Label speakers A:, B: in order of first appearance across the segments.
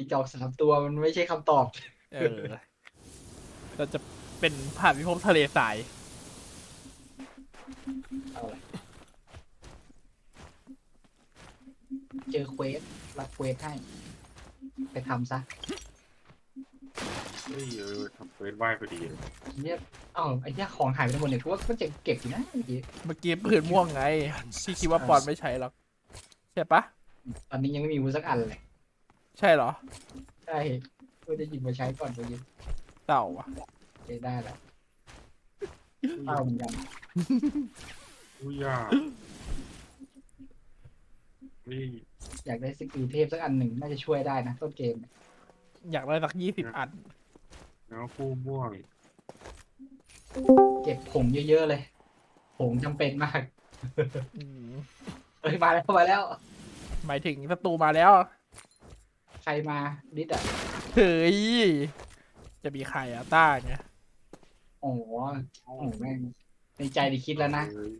A: จอก3 ตัวมันไม่ใช่คำตอบ
B: เราจะเป็นผ่านพิภพทะเลทราย
A: เอาละเจอเควสรับเควสให้ไปทำซะ
C: เฮ้ยทำเฟซไหว้พอดีเลย
A: เนี่ยไอ้เนี่ยของหายไปทั้งหมดเนี่ยทุกว่าก็จะเก็บอยู่นะเมื่อกี้
B: เมื่อกี้ปืนม่วงไงที่คิดว่าปอนไม่ใช้หรอกใช่ปะ
A: ตอนนี้ยังไม่มีวุ้นสักอันเลย
B: ใช่เหรอ
A: ใช่ก็จะหยิบมาใช้ก่อนเมื่อกี้
B: เต่าอะ
A: ได้แล้วเอาเหมือนกัน
C: อุ้ยยากนี่
A: อยากได้สกิลเทพสักอันหนึ่งน่าจะช่วยได้นะต้นเกม
B: อยากได้สัก20 อัน
C: แล้วคู่ม่วง
A: เก็บผงเยอะๆเลยผงจำเป็นมาก
B: อืม
A: เอ้ยมาแล้ว
B: หมายถึงศัตรูมาแล้ว
A: ใครมาดิดอ่ะ
B: เฮ้ยจะมีใครอะต้าไง
A: โอ้โหแม่งในใจดิคิดแล้วนะ
C: เฮ้ย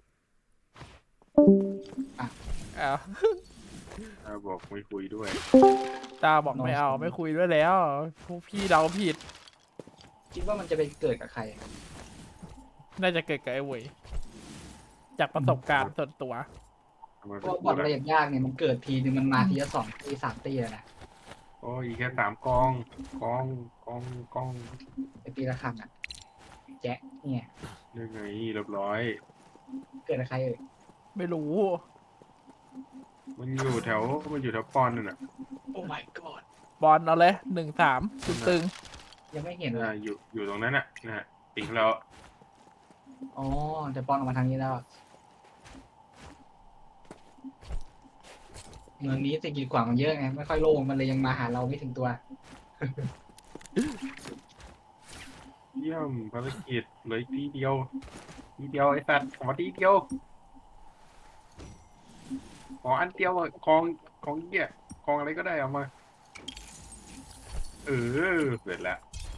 B: อ้าว
C: บอกไม่คุยด้วย
B: ต้าบอกไม่เอาไม่คุยด้วยแล้วพวกพี่เราผิด
A: คิดว่ามันจะไปเกิดกับใคร
B: น่าจะเกิดกับไอ้เวยจากประสบการณ์ส่วนตัว
C: ทำไม
A: เพ
C: เป็น
A: ราะว่าบ
C: กู
A: อลอะไร
C: ล่ะ
A: อย่างยากเนี่ยมันเกิดทีนึงมันมาทีละ2 ตี 3 ตีเลยนะ
C: โอ้ยแค่3 กองกอง
A: ไอตีละครั้งอ่ะแจ๊ะเนี่ย
C: ยังไงเรียบร้อย
A: เกิดกับใครเอ่ย
B: ไม่รู้
C: มันอยู่แถวปอนนั่นน่ะ
A: โอ้ my god
B: บอลเอาเลย1-3ตึง
A: ยังไม่เห็นเลย
C: อยู่ตรงนั้นน่ะนะฮะติงแล้ว
A: อ๋อแต่ปอนออกมาทางนี้แล้วเมืองนี้สิ่งกีดขวางมันเยอะไงไม่ค่อยโล่งมันเลยยังมาหาเราไม่ถึงตัว
C: เยี่ยมภารกิจเหลืออีกทีเดียวไอ้สัตว์ขอทีเดียวขออันเดียวอะของเหี้ยของอะไรก็ได้เอามาเสร็จแล้ว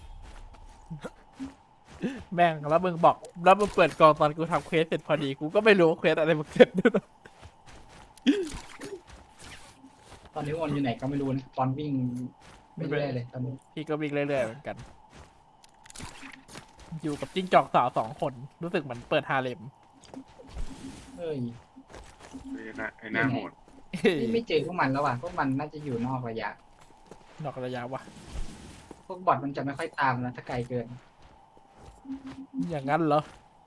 B: ๆแม่งแล้วมึงบอกแล้วมึงเปิดกล่องตอนกูทำเควสเสร็จพอดีกูก็ไม่รู้ว่าเควสอะไรมึงเสร็จด้วยนะ
A: ตอนนี้วนอยู่ไหนก็ไม่รู้นะปอนวิ่งไม่เรื่อยเลยตอนนี้
B: พี่ก็วิ่งเรื่อยๆเหมือนกัน อยู่กับจิ้งจอกสาว2 คนรู้สึกเหมือนเปิดฮาเลม
A: เฮ้ย
C: ไอ้หน้าโหด
A: นี่ไม่เจอพวกมันแล้วว่ะพวกมันน่าจะอยู่นอกระยะ
B: นอกระยะวะ
A: พวกบอทมันจะไม่ค่อยตามนะถ้าไกลเกิน
B: อย่างนั้นเหรอ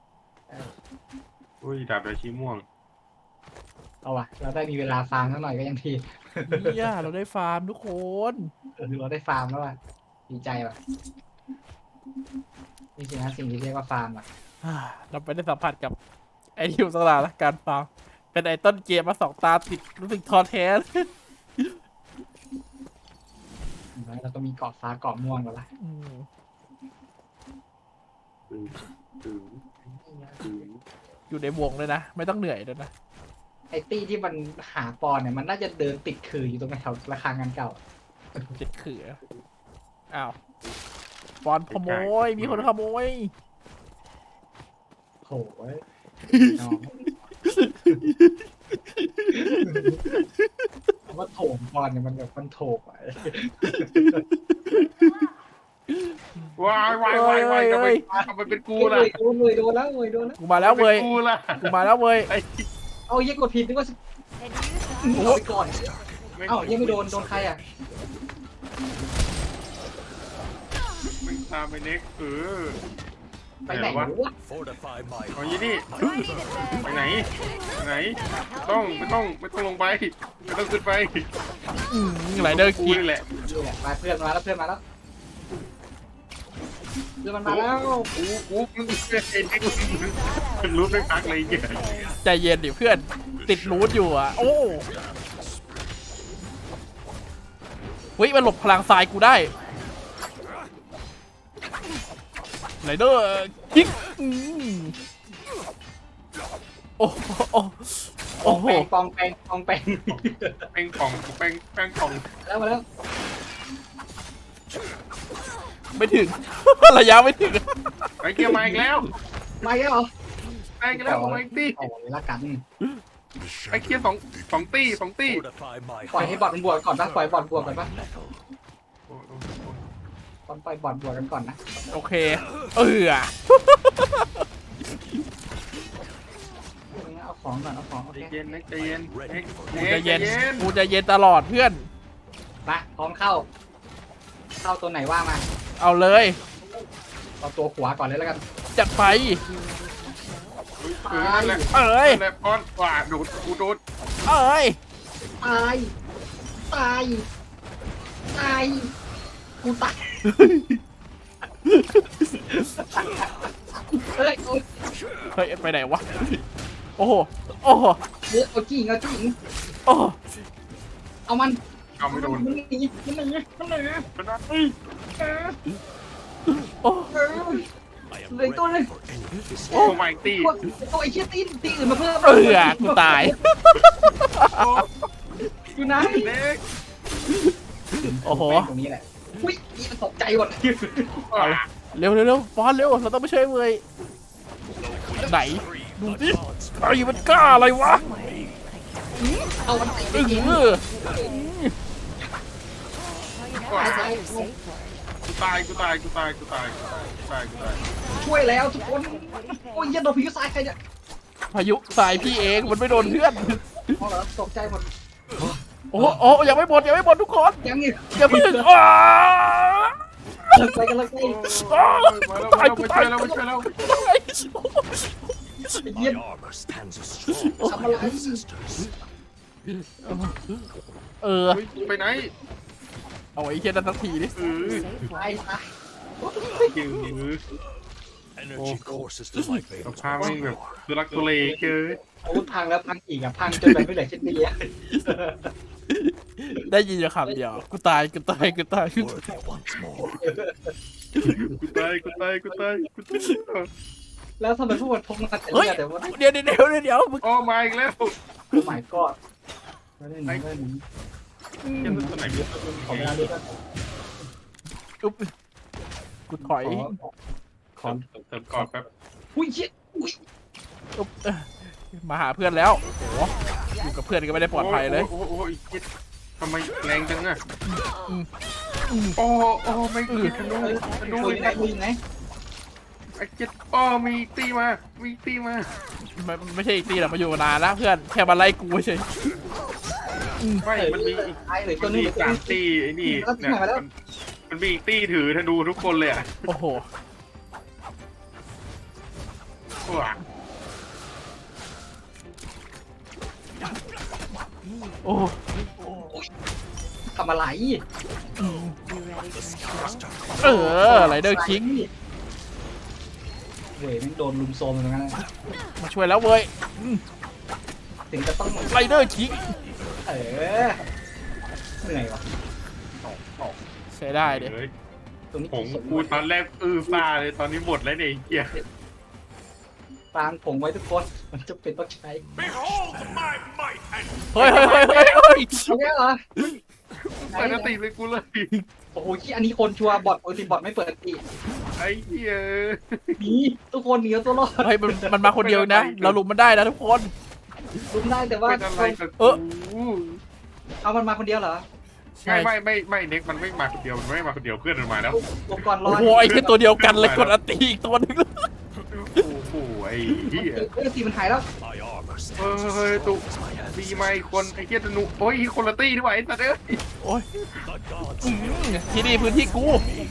C: อุ้ยดาบราชีม่วง
A: เอาว่ะเราได้มีเวลาฟาร์มสักหน่อยก็ยังดี
B: เนี่ยเราได้ฟาร์มทุกคน
A: เราได้ฟาร์มแล้วว่ะดีใจว่ะนี่สินะสิ่งที่เรียกว่าฟาร์มอ่ะ
B: เราไปได้สัมผัสกับไอ้ทิวสลาและการฟาร์มเป็นไอ้ต้นเกมมา2 ตาติดรู้สึกท้อแท้
A: แล้วก็มีเกาะฟ้าเกาะม่วงแล้วล่ะ
B: อืม
C: ถึง
B: อยู่ในวงเลยนะ ไม่ต้องเหนื่อยเลยนะ
A: ไอ้ตี้ที่มันหาปอนเนี่ยมันน่าจะเดินติดขื่ออยู่ตรงแถวระฆังงานเก่า
B: ติดเขืออ้าวบอลขโมย มีคนขโมย
A: โหยน้องคำว่าโถมปอนเนี่ยมันแบบมันโถมอ่ะ
C: วายทำไมเป็นกูล่ะ
A: โดนเลยโดนแล้วเว้ยโดนแล้ว
B: กูมาแล้วเว้ย
C: กูล่ะ
B: กูมาแล้วเว้ย
C: ไอ้
A: เอาเยี่ยกดผิดนึกว่าเอาไปก่อนเอ้ายังไม่โดนใครอ่ะ
C: มึงตามไปเน็ก
A: ไปไหนวะ
C: เอายี่นี่ไปไหนไม่ต้องลงไปไม่ต้องขึ้นไป
B: ไหลเดอร์
C: กู
B: คิก
C: นี่แหละ
A: นี่แหละมาเพื่อนมาแล้วเพื่อนมันมาแล้ว
C: กูมึงไอ้เน็กมึงรู้ไม่พักเลยเหี้ย
B: ใจเย็นดิเพื่อน ติดรูทอยู่อ่ะ โอ้เฮ้ยมันหลบพลังทรายกูได้ไหลเดอร์คิกโอ้โหโอ้โห
A: ปองแปง
C: แป้งป่องแป้งป่อง
A: แล้วมาแล้ว
B: ไม่ถึง ระยะไม่ถึง
C: ไอ้เกียร์มาอีกแล้ว
A: มาแล้วเหรอ
C: ไอ้เกียร์แล้วไอ้ตี้
A: โอ้ยละกัน
C: ไอ้เกียร์สองตี้
A: ปล่อยให้บอดมันบวกก่อนปะปล่อยบอดบวกก่อนปะปล่อยบอดบวกกันก่อนนะ
B: โอเค
A: เอาของก่อนเอาของโอ
C: ใจ
A: เค
C: เย็นใจเย็น
B: กูจะเย็นกูจะเย็นตลอดเพื่อน
A: มาพร้อมเข้าตัวไหนว่ามา
B: เอาเลย
A: เอาตัวขวาก่อนเลยแล้วกัน
B: จัดไป
C: นั่นแหละ
B: เอ้ย
C: นั่นแหละป้อนว่าดูดกูดูด
B: เอ้ย
A: ตายกูตายเฮ้ย
B: เฮ้ยไปไหนวะโอ้โหโอ้โห
A: เอาจริง
B: โอ้โห
A: เอามัน
C: เอาไม่โดน
A: มันหนี
C: มันได้
B: โอ้
A: เลยตัวนึง
C: โอ้ไม่ตี
A: ตัวไอ้เชี่ยตีอื่นมาเพิ่ม
B: กูตาย
A: อยู่ไหน
C: เล็ก
B: โอ้โห
A: ตรงนี้แหละอุ้ยมันตกใจหมด
B: เร็วฟอนเร็วเราต้องไปช่วยเว้ยไหนดูสิไอ้มันกล้าอะไรวะ
A: เอามันใส่ไป
B: อึ้ง
A: กิน
C: กูตาย
A: ช่วยแล้วทุกคนโอ้ยยันโดนพิวซายใครเนี่ย
B: พายุสายพี่เองมันไม่โดนเพื่อน
A: อ๋อเหรอตกใจหมด
B: โอ้ยังไม่หมดทุกคน
A: ยังอีก
B: อย่าเพิ่ง
A: ไปกันเลย
C: มาแล้วช่วยแล้ว
A: เยี่ยมทำอะไร
C: ไปไหน
B: เอาไอ้เช่นนั้นสักทีดิ
A: ตาย
C: ยื้อ
D: Energy courses to my
C: ส
D: veins.
C: ภาพไม่แบบคือรักตัวเลเกิน
A: โอ้พังแล้วพังอีกพังจนแบบไม่เหลือชิ้นดีอะ
B: ได้ยินอยู่คำเดียวกูตาย
D: Worthy once more.
C: กูตาย
A: แล้วทำไมพวกมันพกมาแต่
B: เฮ้ย
A: แต่ว่า
B: เดี๋ยวมึง
C: โอ้มาอีกแล้ว
A: โอ้ my god ไม่ได้หนี
C: ยังตัวไหนมี
A: ขอเวลาด้วยกัน
B: อุ๊บกูถอย
C: ขอเติมก่อนแป๊บ
A: อุ้ยเชี่ยอุ้ย
B: อุ๊บมาหาเพื่อนแล้วโอ้โหอยู่กับเพื่อนก็ไม่ได้ปลอดภัยเลย
C: โอ้ยทำไมแรงจังอะโอ้ไม่กินธนู
A: คุยไง
C: ไอ้เจ็ดโอ้มีตีมา
B: มันไม่ใช่อีกตีหรอกมาอยู่นานแล้วเพื่อนแค่มาไล่กูเฉย
C: ไม่มันมีอีก
A: ตายเลยตั
C: มั
A: วน นึ
C: มี
A: ง
C: 3ตีไอ้นี่เนี่ยมันมีอีกตีถือธนูทุกคนเลยอะ
B: โอ้โห
C: ว้า
B: โอ้
A: ทำอะไร
B: ไรเดอร์คิง
A: เว้ยมันโดนลุมโซมเหมือนกัน
B: มาช่วยแล้วเว้ย
A: ถึงจะต้อง
B: ไรเดอร์คิง
A: เหนื่อยวะ
B: ใช้ได้เด็
A: ตรงนี้
C: ผมกูตอนแรกซาเลยตอนนี้หมดแล้วเนี่ยไอ้เหี้ย
A: ฟางผงไว้ทุกคนมันจะเป็นต้องใช้
D: Behold my might and
B: เฮ้ย
A: เอาแค่เหรอ
C: เปิดตีเลยกูเลย
A: โอ้โหอันนี้คนชัวร์บอทปกติบอทไม่เปิดตี
C: ไอ้เหี้ย
A: หนีทุกคนหนีเอาตัวรอด
B: เฮ้ยมันมาคนเดียวนะ เราลุมมันได้นะทุกคน
A: ลุมได้แต่ว่า
C: เป็นอะไรกับ
B: เออ
C: กู
A: เอามันมาคนเดียวเหรอ
C: ไม่เน็กมันไม่มาคนเดียวมันไม่มาคนเดียวเพื่อนมันมาแล้ว
A: ลงก่อนรอ
B: โอ้โหไอ้แค่ตัวเดียวกันเลยกดอันตีอีกตัวนึง
C: โอ้โหไอ้เหี้ย
A: ตีมันหายแล้ว
D: my armor
C: เฮ้ย
D: stands
C: ตุ
D: as my
C: ดี
D: ancestors.
C: ไหมคนไอ้เหี้ยธนูโอ้ยคนละตีดีกว่าไอ้สัตว์เอ้ย
B: โอ้ย
D: The gods
B: ที่นี่พื้นที่กู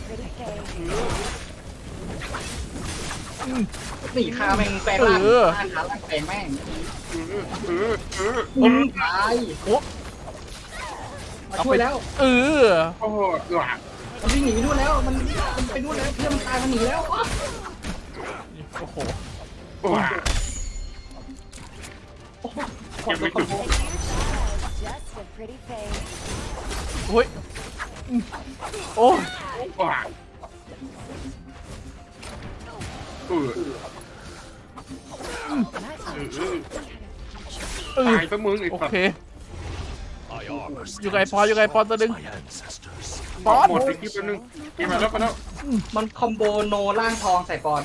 A: หนีคาแม่งแปลงร่างขาล่างแปลงแม่ง
C: เออ
A: ตาย
B: โอ้
A: มาช่วยแล้ว
B: เออ
C: โอ้โหหลัง
A: มันวิ่งหนีไปนู่นแล้วมันไปนู่นแล้วเพื่อนมันตายมันหนีแล้ว
B: โอ้โห
C: ว้า ยังไม่จุด
E: Just a pretty face.
B: โอ้ยโอ้
C: ว้าตายซะมึงไอ้
B: โอ
C: สัตว์
B: เค
D: my armor
B: อยู่ไกล
D: stands
B: พออยู่ไกลพอตัวนึง
D: as my ancestors.
B: ปอน
C: หมดไปคลิปนึงกินมาแล้วไปแล้ว
A: มันคอมโบโนล่างทองใส่ปอน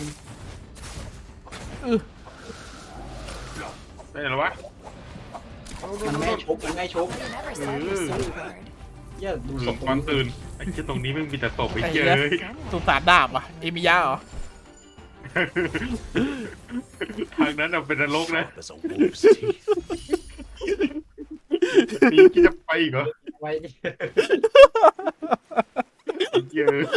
C: ได้หรอวะ
A: มันไม่ชุบมันไม่ชุบ
E: You never said your safe word.
A: เหี้ยดูศพ
C: ตอนตื่นไอ้เจ้าตรงนี้ไม่มีแต่ศพไอ้เจ้ย
B: สุสานดาบอ่ะเอมิยะเหรอ
C: ทางนั้นเป็นนรกนะ
D: Sharp as a wolf's teeth.
C: นี่คิดจะไปอีกเหรอ
A: ไว้
C: ไอ้เจ้ย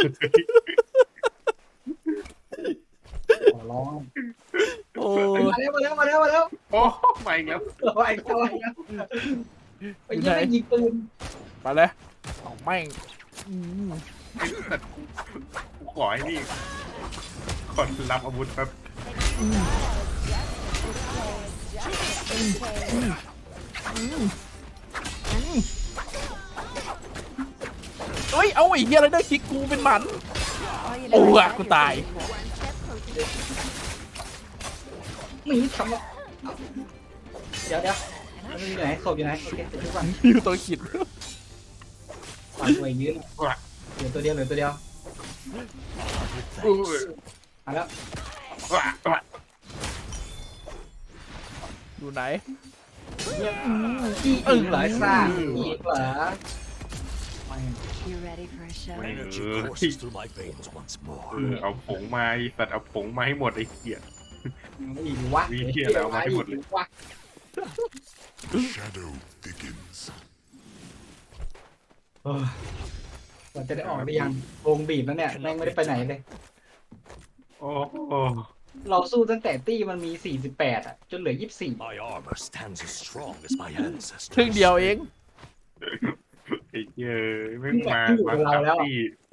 A: ขอร้อง
B: โอ้
A: มาแล้ว
C: โอ้มาอีกแล้ว
A: ไอ้เข้าไอ้แล้วไอ้ยังไม่ยิงปืน
B: ไปเลยเอาแม่ง
C: ไอ้สัตว์กูขอให้นี่ขอรับอาวุธแป๊บ
B: เฮ้ยเอาไอ้เหี้ยอะไรได้คิกกูเป็นหมันโอ้อะกูตาย
A: มีทำแล้วเดี๋ยวมันอยู่ไหนศพอยู่ไหนโอเคเดี๋ยวทุกวัน
B: อยู่ตัวขิด
A: ฝันตัวยืนเหลือตัวเดียวมาแล้ว
B: อยู่ไหน
A: เนี่ยจี้อึ่งเหรอไอ้ซ่าจี้เหรอ
E: You ready for a show?
D: Energy courses through my veins once more.
C: เอาผงมาไอ้สัตว์เอาผงมาให้หมดไอ้เหี้ย
A: อีกวะ
C: มีเหี้ยอะไรเอามาให้หมดเลย
A: วะ
F: Shadow thickens.
A: เราจะได้ออกได้ยังวงบีบแล้วเนี่ยแม่งไม่ได้ไปไหนเลย
C: โอ้โห
A: เราสู้ตั้งแต่ตี้มันมี48อ่ะจนเหลือ24
D: My armor stands as strong as my ancestors.
B: ครึ่งเดียวเอง
C: ไอ้เหี้ยไม่มาตี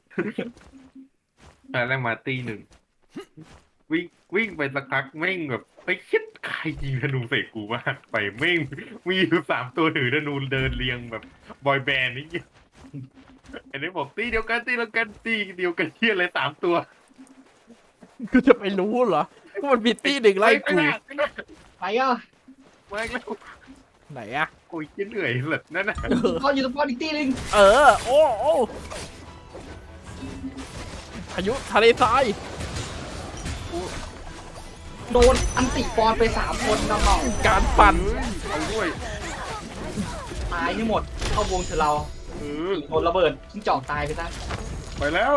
C: ตอนแรกมาตีหนึ่งวิ่งไปสักพักแม่งแบบไปคิดใครยิงธนูใส่กูมากไปแม่งมีอยู่3 ตัวถือธนูเดินเรียงแบบบอยแบนด์นี่อันนี้บอกตีเดียวกันตีเดียวกันเที่ยอะไร3 ตัว
B: กูจะไปรู้เหรอว่ามันมีตี้หนึ่งไล่กู
A: ไปอ่ะ
C: มาแล้ว
B: ไหนอะ
C: โอ้ยเหนื่อยเหลือนั่นน่ะ
A: เขาอยู่ตรงป้อนอีกตี้นึง
B: เออโอ้พายุทะเลทราย
A: โดนอันติปอนไป3 คนน้อง
B: การปั่น
C: เอาด้วย
A: ๆตายให้หมดเข้าวงเถอะเรา โดนระเบิดทิ้งจอกตายไปซะ
C: ไปแล้ว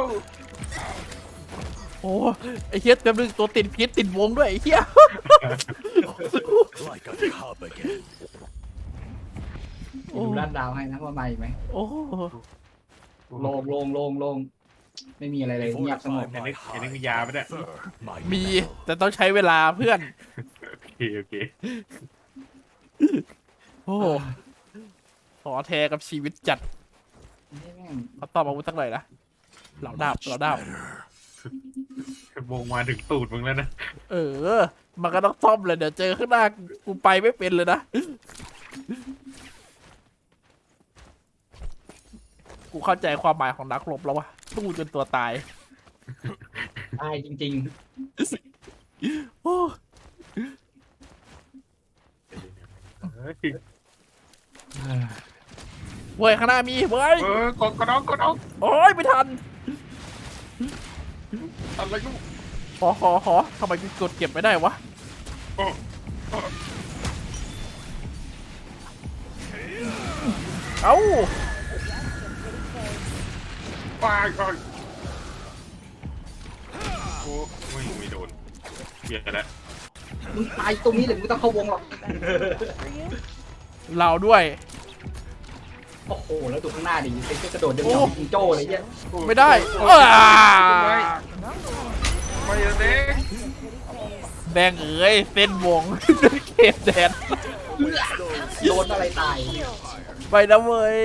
B: โอ้ไอ้เหี้ยเต็มเลยตัวติดพิษติดวงด้วยไอ้เหี้ย
D: Like a cub again.
A: ดูด้านดาวให้นะว่ามาอีกไหม
B: โอ้
A: โล่งไม่มีอะไรเลยเงียบสงบ
C: อันนี้มียาไหมเนี่ย
D: Fur, my
B: มี
D: metal.
B: แต่ต้องใช้เวลาเพื่อน
C: โอเค
B: โอ้ขอแทกับชีวิตจัดเขาตอบอาวุธสักหน่อยนะเหล่าดาบ
D: Much
B: เหล่าดาบ
D: better.
C: วงมาถึงตูดมึงแล้วนะ
B: เออ มันก็ต้องซ่อมเลยเดี๋ยวเจอข้างหน้ากูไปไม่เป็นเลยนะ กูเข้าใจความหมายของนักรบแล้ววะสู้จนตัวตาย
A: ตายจริง
B: โอ้
A: ๆ
B: เว้ยข้างหน้ามีเว้ย
C: กดน้อง
B: โอ้ยไม่ทัน
C: อะไรลูก
B: ขอทำไมกูกดเก็บไม่ได้วะ เอ้า
C: ไปโอ้ไม่โดนเหี้ยแล้ว
A: มึงตายตรงนี้เลยมึงต้องเข้าวงหรอก
E: For you?
B: เราด้วย
A: โอ้โหแล้วดูข้างหน้าดิเป็นกระโดดเดินยองจิงโจ้เลยเนี่ย
B: ไม่ได้
C: ไม่เด็ก
B: แดงเอ๋ยเส้นวง เขตแดน
A: โดนอะไรตาย
B: ไปนะเว้ย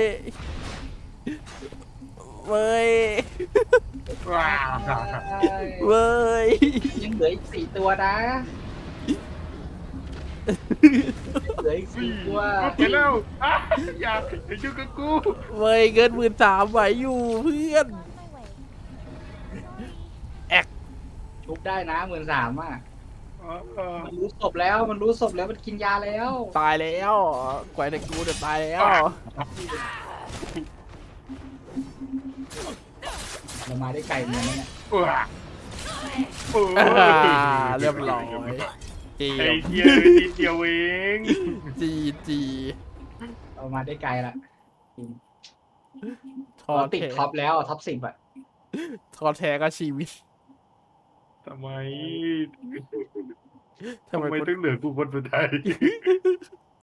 B: เว้ย
C: ว้า
B: เว้ย
A: ยังเหลืออีก4 ตัวนะเหลืออีก4 ตัว
C: ไปแล้วอย่ายุ่งกับกู
B: เว้ยเงิน13,000ไหวอยู่เพื่อน
A: ชุบได้นะ13,000อ่ะมันรู้ศพแล้วมันกินยาแล้ว
B: ตายแล้วกวยแต่กูเดี๋ยวตายแล้ว
A: เรามาได้ไก่เหมือนกันเนี่ย
B: เรียบร้อยจี
C: ไอ้เหี้ยนิดเดียวเอง
B: จี
A: เรามาได้ไกลละ
B: ทอ
A: เราติด
B: แท้
A: ท็อปแล้วท็อป10อ่ะ
B: ทอแท้ก็ชีวิต
C: ทำไม
B: ทำไม
C: ทำไม
B: กู
C: ต้องเหลือกูคนสุดท้าย